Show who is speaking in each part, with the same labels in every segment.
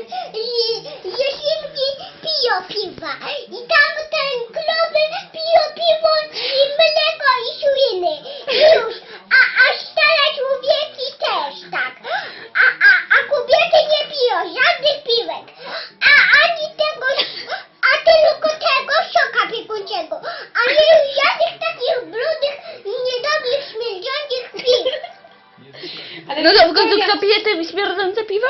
Speaker 1: że świnki piją piwa. I tam ten krowy piją piwo i mleko i świny. Już. A stare człowieki też tak. A kobiety nie piją żadnych piwek. Ani tego, a tylko tego soka piekuńczego. A nie żadnych takich brudnych, niedobrych, śmierdzących piw.
Speaker 2: Ale
Speaker 3: No
Speaker 2: wszystko
Speaker 3: to
Speaker 2: ja-
Speaker 3: kto pije te śmierdzące piwa?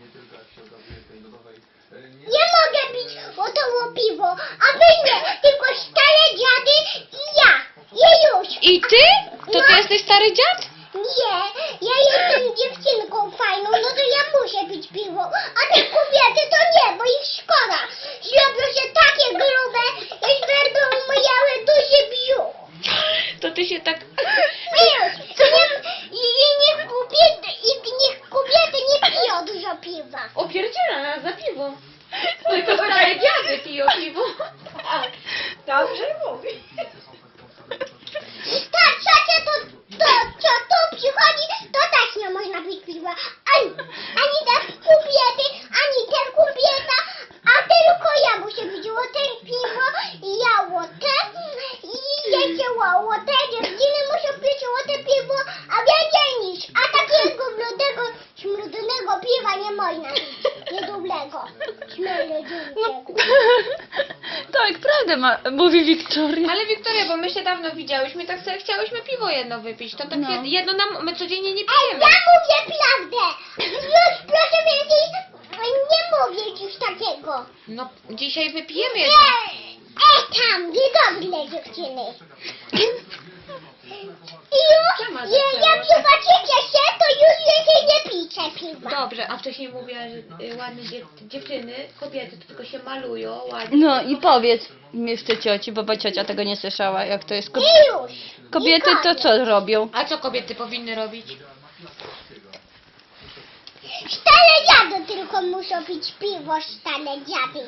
Speaker 1: Nie mogę pić gotowe piwo, a wy nie, tylko stare dziady i ja. Już.
Speaker 2: I ty? To ty jesteś stary dziad?
Speaker 1: Nie, ja jestem dziewczynką fajną, no to ja muszę pić piwo, a te kobiety to nie, bo ich szkoda. Zrobią się takie grube, i będą miały duży brzuch.
Speaker 2: To ty się tak...
Speaker 1: Wiesz, niech kobiety nie piją dużo piwa.
Speaker 2: Opierdziela nas za piwo. Tylko stare dziady piją piwo. Dobrze mówi.
Speaker 1: Ta trzecia co tu przychodzi, to też nie można pić piwa. Ani te kobiety, ani te kobieta, a tylko ja muszę pić łote piwo i ja łote. I jeszcze łote, dziewczyny muszą pić łote piwo, a więcej niż. A takiego brudnego, śmrodnego piwa nie można pić. Niedobrego, śmierdziującego.
Speaker 3: Tak, prawda mówi Wiktoria.
Speaker 2: Ale Wiktoria, bo my się dawno widziałyśmy, tak sobie chciałyśmy piwo jedno wypić. To tak
Speaker 3: No.
Speaker 2: jedno nam, my codziennie nie
Speaker 1: Ej,
Speaker 2: pijemy.
Speaker 1: ja mówię prawdę! Już proszę więcej nie mówić już takiego.
Speaker 2: No, dzisiaj wypijemy
Speaker 1: Nie,
Speaker 2: jedno.
Speaker 1: tam, niedobre dziewczyny. I już, jak zobaczycie się, to już więcej nie pijcie piwa.
Speaker 2: Dobrze, a wcześniej mówiła, że ładne dziewczyny, kobiety to tylko się malują ładnie.
Speaker 3: No i powiedz jeszcze cioci, bo ciocia tego nie słyszała, jak to jest.
Speaker 1: I już.
Speaker 3: Kobiety
Speaker 1: I
Speaker 3: to
Speaker 1: koniec.
Speaker 3: co robią?
Speaker 2: A co kobiety powinny robić?
Speaker 1: Stare dziady tylko muszą pić piwo, stare dziady.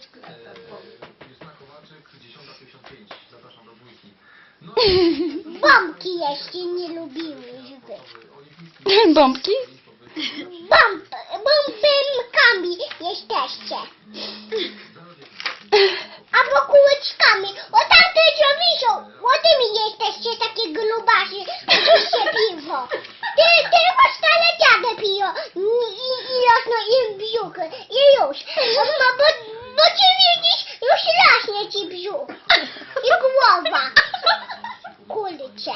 Speaker 1: Bombki jeszcze nie lubiły żeby.
Speaker 3: Bombki?
Speaker 1: Bombkami jesteście. Albo kółeczkami. O tamte co wiszą. O tymi jesteście takie grubasie. Pijcie piwo. Tylko stare dziady piją. I rosną im brzuchy. I już. Bo ty widzisz, już rośnie ci brzuch. I głowa. Kurczę.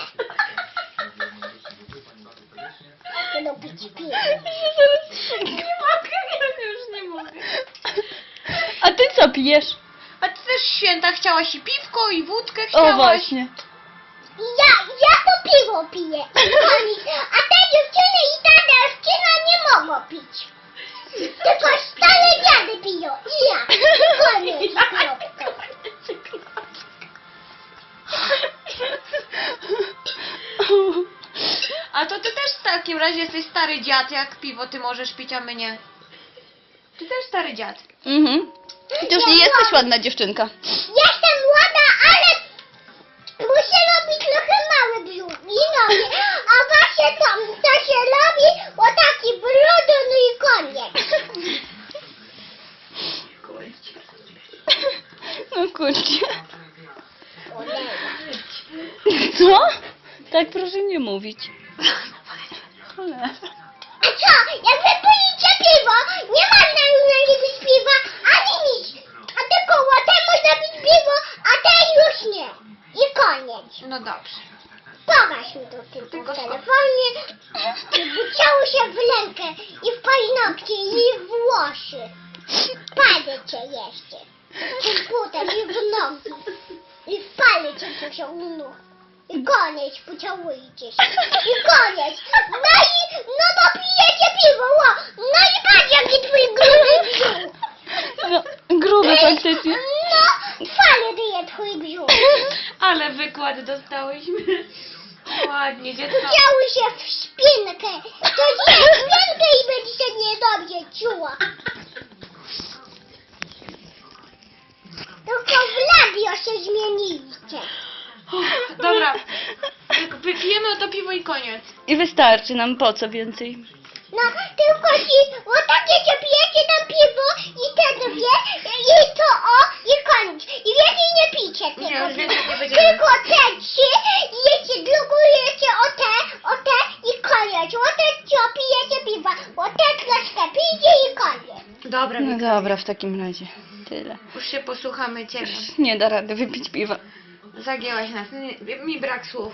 Speaker 1: Będą pić piwo.
Speaker 2: Nie mogę, ja już nie mogę.
Speaker 3: A ty co pijesz?
Speaker 2: A ty też święta chciałaś i piwko, i wódkę chciałaś.
Speaker 3: O właśnie.
Speaker 1: Ja to piwo piję. A te dziewczyny i ta dziewczyna nie mogą pić. Tylko stare dziady piją. I ja. I koniec. Kropka.
Speaker 2: A to ty też w takim razie jesteś stary dziad, jak piwo ty możesz pić, a my nie. Ty też stary dziad.
Speaker 3: Mhm. Już nie jesteś ładna dziewczynka.
Speaker 1: Jestem młoda, ale muszę robić trochę mały brzuch i nogi. A właśnie tam, co się robi, o taki brudu, no i koniec.
Speaker 3: No kurczę. Co? Tak proszę nie mówić. Cholera.
Speaker 1: A co, jak wy pijecie piwo, nie można już pić piwa, ani nic. A tylko łotem można pić piwo, a ten już nie. I koniec.
Speaker 2: No dobrze.
Speaker 1: Pokaż mi to tylko w telefonie. I buciało się w rękę, i w paznokcie, i w włosy. Palce jeszcze. Komputer, i w nogi. I w palce to się nóg. I koniec, pocałujcie się. I koniec. No to pijecie piwo, ło. No i patrz jaki twój gruby brzuch.
Speaker 3: No, gruby faktycznie.
Speaker 1: No, fajnie dyje twój brzuch.
Speaker 2: Ale wykład dostałyśmy. Ładnie, dziecko.
Speaker 1: Chciały się w szpinkę. To zje szpinkę i będzie się niedobrze czuła. Tylko w labio się zmieniliście.
Speaker 2: Dobra. Wypijemy to piwo i koniec.
Speaker 3: I wystarczy nam, po co więcej?
Speaker 1: No, tylko ci, o takie, co pijecie tam piwo, pijcie tylko
Speaker 2: Nie, już
Speaker 1: piwa.
Speaker 2: więcej nie będziemy.
Speaker 1: Tylko te trzy, jecie, drugujecie o te i koniec. O te co pijecie piwa, o te troszkę pijcie i koniec.
Speaker 2: Dobra,
Speaker 3: No
Speaker 2: Wika,
Speaker 3: dobra, w takim razie. Tyle.
Speaker 2: już się posłuchamy Ciebie.
Speaker 3: Nie da rady wypić piwa.
Speaker 2: Zagięłaś nas, mi brak słów.